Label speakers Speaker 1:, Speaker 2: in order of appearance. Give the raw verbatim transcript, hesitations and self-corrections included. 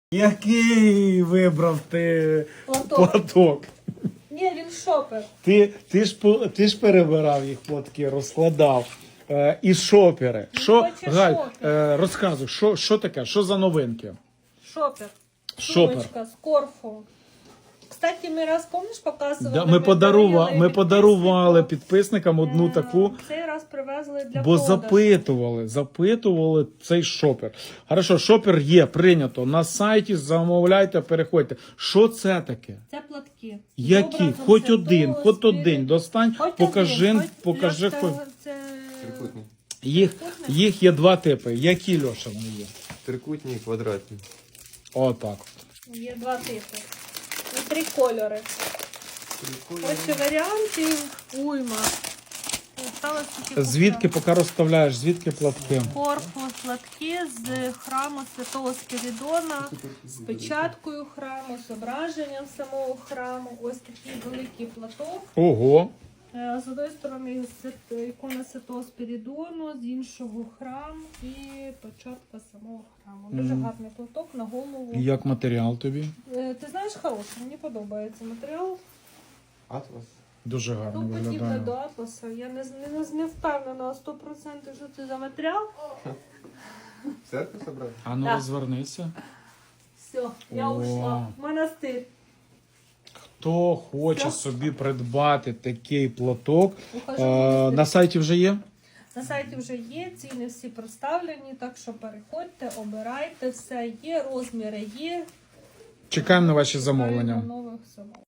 Speaker 1: Який вибрав ти
Speaker 2: Платок.
Speaker 1: платок?
Speaker 2: Ні, він шопер.
Speaker 1: Ти, ти, ж, по- ти ж перебирав їх платки, розкладав. Е, і шопери. Що,
Speaker 2: хоче
Speaker 1: Галь,
Speaker 2: шопер.
Speaker 1: е, розказуй, що, що таке? Що за новинки?
Speaker 2: Шопер.
Speaker 1: Шопер.
Speaker 2: Сумочка з корфу. Кстати, ми раз, помниш, показували?
Speaker 1: Да, ми, подарували,
Speaker 2: дарили
Speaker 1: ми подарували
Speaker 2: підписнику.
Speaker 1: підписникам одну
Speaker 2: Е,
Speaker 1: таку,
Speaker 2: Цей раз привезли для
Speaker 1: бо
Speaker 2: продажу.
Speaker 1: запитували, запитували цей шопер. Хорошо, шопер є, прийнято. На сайті замовляйте, переходьте. Що це таке?
Speaker 2: Це платки. З
Speaker 1: Які?
Speaker 2: образом
Speaker 1: Хоч
Speaker 2: Святого
Speaker 1: один, хоч
Speaker 2: Спіриту.
Speaker 1: один. Достань,
Speaker 2: Хоч
Speaker 1: покажи,
Speaker 2: один, хоч
Speaker 1: покажи.
Speaker 2: для
Speaker 1: Хоч...
Speaker 2: цього це...
Speaker 3: Трикутний.
Speaker 1: Їх, їх є два типи. Які, Льоша, вони є?
Speaker 3: Трикутні і квадратні.
Speaker 1: Отак.
Speaker 2: Є два типи. І три кольори. Ось варіантів уйма. Осталось тільки
Speaker 1: Звідки, поки розставляєш, звідки платки?
Speaker 2: корпус платки з храму Святого Спіридона, з печаткою храму, з зображенням самого храму. Ось такий великий платок.
Speaker 1: Ого.
Speaker 2: Е, З однієї сторони свят- ікона Святого Спіридону, з іншого храм і печатка самого храму. Дуже
Speaker 1: Мгм.
Speaker 2: гарний платок на голову.
Speaker 1: І як матеріал тобі?
Speaker 2: Е, Ти знаєш, хороший, мені подобається матеріал.
Speaker 3: Атлас.
Speaker 1: Дуже гарно
Speaker 2: Ну, подібне
Speaker 1: виглядає.
Speaker 2: до атласа. Я не, не, не впевнена на сто відсотків, що це за матеріал.
Speaker 3: В церкву собрали?
Speaker 1: А ну
Speaker 2: Так.
Speaker 1: розвернися.
Speaker 2: Все, я
Speaker 1: О.
Speaker 2: ушла. В монастир.
Speaker 1: Хто хоче
Speaker 2: Все.
Speaker 1: собі придбати такий платок,
Speaker 2: Ухожу
Speaker 1: е,
Speaker 2: в монастир.
Speaker 1: на сайті вже є?
Speaker 2: На сайті вже є, ціни всі представлені, так що переходьте, обирайте, все є, розміри є.
Speaker 1: Чекаємо на ваші замовлення.
Speaker 2: Чекаємо нових замовлень.